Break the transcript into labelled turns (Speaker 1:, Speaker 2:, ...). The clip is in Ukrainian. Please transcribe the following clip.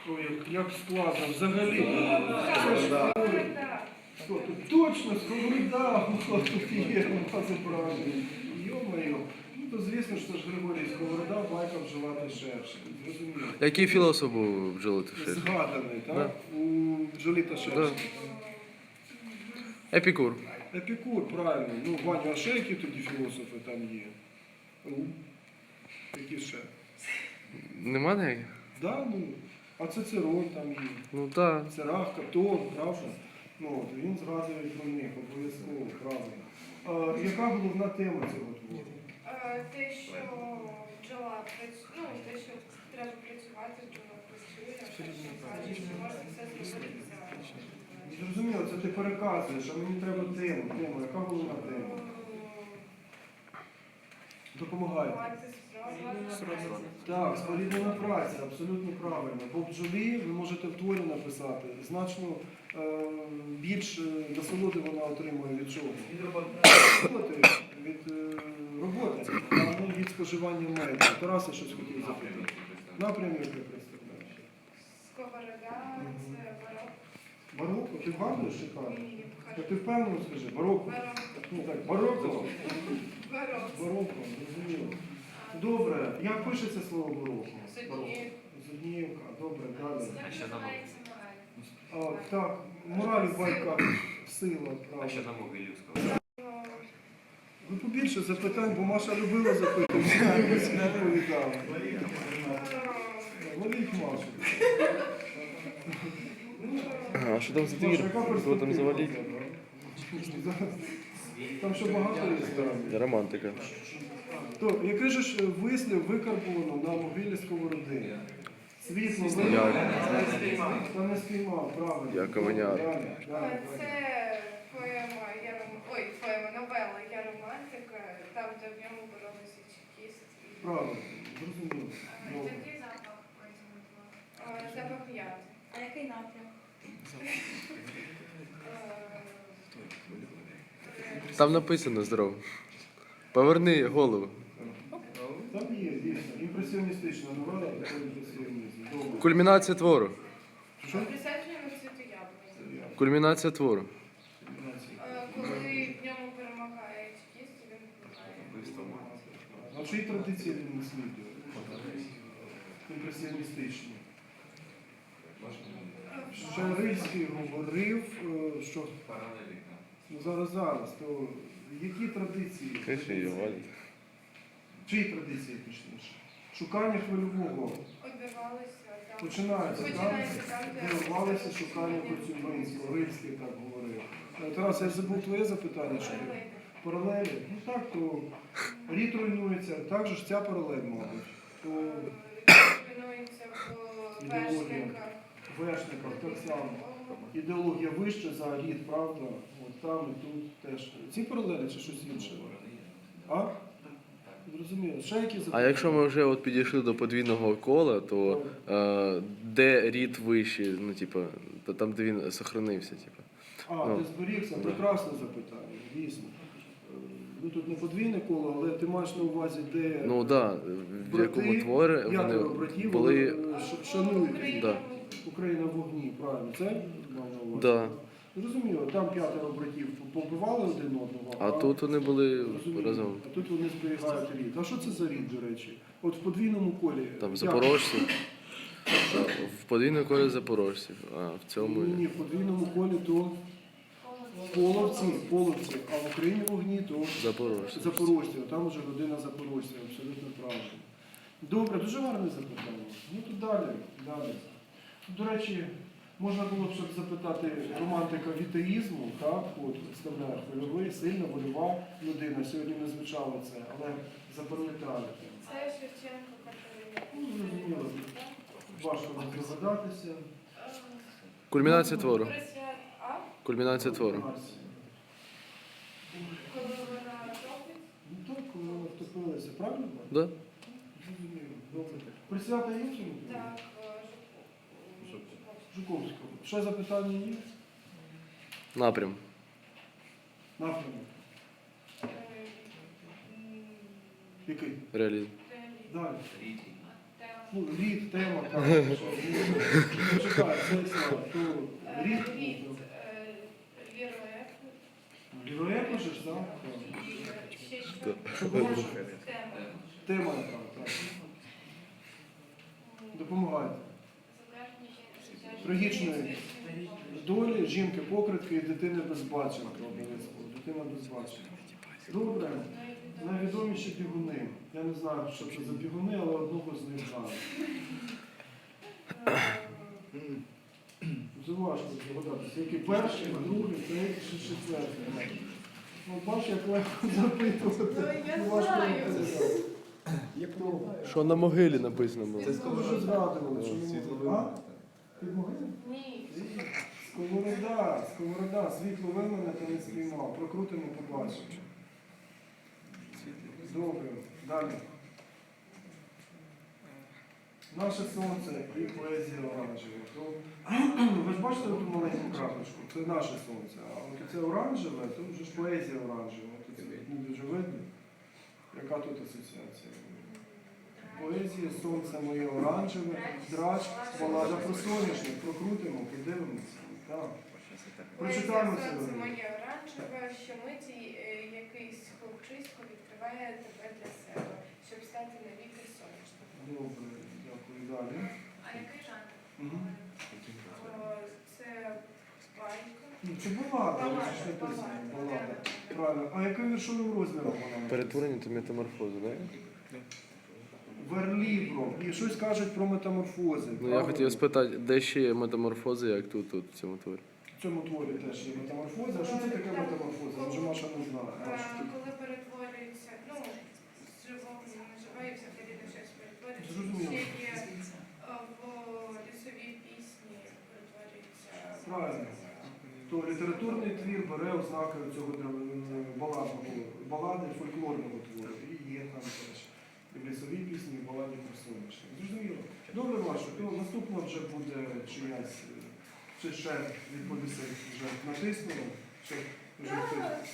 Speaker 1: Ой, як складно, взагалі. Це ж Сковорода. Тут точно Сковорода, тут є, це правильно. Йо-моє. Ну, то звісно, що ж Григорій Сковорода, байка вживати шерше. Зрозуміло.
Speaker 2: Який філософ був бджоли та шершень?
Speaker 1: Згаданий, так?
Speaker 2: Да.
Speaker 1: У бджолі та шершень.
Speaker 2: Епікур.
Speaker 1: Епікур, правильно. Ну, Ваню, а ще які тоді філософи там є? Які ще?
Speaker 2: Нема ніяких?
Speaker 1: Да, ну, а Цицерон там є.
Speaker 2: Ну так.
Speaker 1: Церах, Катон, правда? Ну, от, він згадує про них, обов'язково, правильно. Яка головна тема цього твору?
Speaker 3: Те, що бджола працює, ну, те, що треба працювати, бджола працює, що можна все зробити за.
Speaker 1: Зрозуміло, це ти переказуєш, а мені треба тему. Яка головна тема? Допомагай. Так, споріднена праця, абсолютно правильно. Бо в бджолі ви можете в творі написати значно більш насолоди вона отримує від чого? Від роботи, а не від споживання меду. Тарасе щось хотів запитати. Напрямок як представляєш?
Speaker 3: Сковорода, це барок.
Speaker 1: Бароко? Ти вгадуєш чи кажеш?
Speaker 3: Ні,
Speaker 1: Та ти впевнено скажи, бароко?
Speaker 3: Барок.
Speaker 1: Ну так, бароко?
Speaker 3: Барок.
Speaker 1: Бароко, розуміло. Добре, як пишеться слово бароко?
Speaker 3: Зодніївка.
Speaker 1: Зодніївка, добре, далі.
Speaker 3: Як називається мораль?
Speaker 1: Так, мораль в байках, сила, правда.
Speaker 4: А що на Могилівського?
Speaker 1: Ви побільше запитань, бо Маша любила запитання. Я всі відповідала. Ловіть Машу.
Speaker 2: А що там за
Speaker 1: Маша,
Speaker 2: двір?
Speaker 1: яка
Speaker 2: Кого там
Speaker 1: перспектива?
Speaker 2: завалить?
Speaker 1: Там ще багато є справді.
Speaker 2: Романтика.
Speaker 1: То, який же ж вислів викарбовано на могилі Сковороди? Світло
Speaker 2: Як?
Speaker 1: Та не спіймав, правильно.
Speaker 2: Яковеняр.
Speaker 1: Далі.
Speaker 3: Це поема, поема, новела «Я романтика», там, де в ньому боролися чекіст.
Speaker 1: Правильно, зрозуміло. Добре.
Speaker 3: Який запах потім? Запах яд.
Speaker 5: А який напрям?
Speaker 2: Там написано здорово. Поверни голову.
Speaker 1: Там є, дійсно. Імпресіоністична новела, такий імпресіонізм. Добре.
Speaker 2: Кульмінація твору.
Speaker 1: Що?
Speaker 3: Присадження на цвіту яблуні.
Speaker 2: Кульмінація твору.
Speaker 3: Коли в ньому перемагає чекіст, він вбиває.
Speaker 1: А чиї традиції він наслідує? Імпресіоністичні. Шарильський говорив, що ну, зараз, то які традиції?
Speaker 2: Криші її валять.
Speaker 1: Чиї традиції точніше? Шукання хвильового.
Speaker 3: Обірвалися там.
Speaker 1: Починається там, де рвалися шукання Коцюбинського, Рильський так говорив. Тарас, я забув твоє запитання, що ти? Паралелі? Ну так, то рід руйнується, так же ж ця паралель, мабуть. То
Speaker 3: Тренується в
Speaker 1: ідеологія. Вершниках так само. Ідеологія вища за рід, правда? От там і тут теж. Ці паралелі чи щось інше? А? Зрозуміло. Ще які
Speaker 2: А
Speaker 1: запитання?
Speaker 2: якщо ми вже от підійшли до подвійного кола, то де рід вищий, ну типу, то там, де він сохранився, типу.
Speaker 1: А, ти зберігся? Прекрасне запитання, дійсно. Ну тут не подвійне коло, але ти маєш на увазі, де
Speaker 2: Ну так, в якому творі вони
Speaker 1: п'ятеро братів
Speaker 2: були.
Speaker 1: шанують
Speaker 2: Да.
Speaker 1: Україна в вогні, правильно? Це мав на увазі?
Speaker 2: Да.
Speaker 1: Зрозуміло, там п'ятеро братів побивали один одного,
Speaker 2: А тут вони були
Speaker 1: Розумію.
Speaker 2: разом.
Speaker 1: А тут вони зберігають рід. А що це за рід, до речі? От в подвійному колі.
Speaker 2: Там
Speaker 1: як?
Speaker 2: запорожці. В подвійному колі запорожців, а в цьому.
Speaker 1: Ні, в подвійному колі то половці, а в Україні вогні то
Speaker 2: Запорожці.
Speaker 1: запорожці. Там вже родина запорожців, абсолютно правильно. Добре, дуже гарне запитання. Ну тут далі. До речі, можна було б щоб запитати романтика вітеїзму, так, от представляє хвильовий, сильна, вольова людина. Сьогодні не звучало це, але запам'ятали.
Speaker 3: Це Шевченко Катерина.
Speaker 1: Ну, зрозуміло, важко не здогадатися.
Speaker 2: Кульмінація твору.
Speaker 3: А?
Speaker 2: Кульмінація твору.
Speaker 3: Коли вона топить?
Speaker 1: Ну так, коли вони втопилися, правильно?
Speaker 2: Да?
Speaker 1: Зрозуміло. Добре. Присвята є в цьому?
Speaker 3: Так,
Speaker 1: Жуковського. Ще запитання є?
Speaker 2: Напрям.
Speaker 1: Напрямок. Який?
Speaker 2: Реалізм.
Speaker 1: Далі.
Speaker 3: Тема.
Speaker 1: Ну, рід, тема, так. Що, Чекай, цей слайд, то рід.
Speaker 3: Героїв.
Speaker 1: Ліроє пишеш, так?
Speaker 3: І ще що?
Speaker 1: Що було?
Speaker 3: Тема.
Speaker 1: Тема яка, так. Допомагайте. Трагічної долі жінки-покритки і дитини безбаченка обов'язково. Дитина безбаченка. Добре. Найвідоміші бігуни. Я не знаю, що це за бігуни, але одного з них знаю. Це важко здогадатися. Який перший, другий, третій, чи четвертий. Ну, бач, як легко запитувати.
Speaker 3: Я
Speaker 1: Ну, важко
Speaker 3: знаю.
Speaker 1: відповідати.
Speaker 2: Що на могилі написано було?
Speaker 1: Це вже згадували, що не можна. А? Під могилою?
Speaker 3: Ні.
Speaker 1: Сковорода, світло вимине та не спіймав. Прокрутимо, побачимо. Добре, далі. Наше сонце і поезія оранжева. Ви ж бачите ту маленьку крапочку? Це наше сонце. А от це оранжеве, то вже ж поезія оранжева. Тут це не дуже видно. Яка тут асоціація? Поезія, сонце моє оранжеве, драч, балада про соняшник. Прокрутимо, подивимося. Так. Прочитаємо це.
Speaker 3: Сонце моє оранжеве, що миті якийсь хлопчисько відкриває тебе для себе, щоб стати навіки сонячним.
Speaker 1: Добре, дякую. Далі.
Speaker 3: А який жанр?
Speaker 1: Мгм.
Speaker 3: Це байка.
Speaker 1: Ну, це балада, це ж написано. Балада. Правильно. А яким віршовим розміром вона?
Speaker 2: Перетворення та метаморфози, так?
Speaker 1: Верлібро. І щось кажуть про метаморфози.
Speaker 2: Ну я
Speaker 1: правильно?
Speaker 2: хотів спитати, де ще є метаморфози, як тут в цьому творі?
Speaker 1: В цьому творі теж є метаморфоза. А що це таке метаморфоза? Може, Маша не знає. Маша, ти-
Speaker 3: Коли перетворюється, ну, з живого на живе і взагалі на щось перетворюється.
Speaker 1: Зрозуміло.
Speaker 3: Ще є в лісовій пісні перетворюється.
Speaker 1: Правильно. То літературний твір бере ознаки цього балади фольклорного твору. І є там теж. І в лісовій пісні, і в баладі про сонячне. Зрозуміло. Добре, Маша, то наступно вже буде чиясь, чи ще відповісти вже натиснуло, чи вже хтось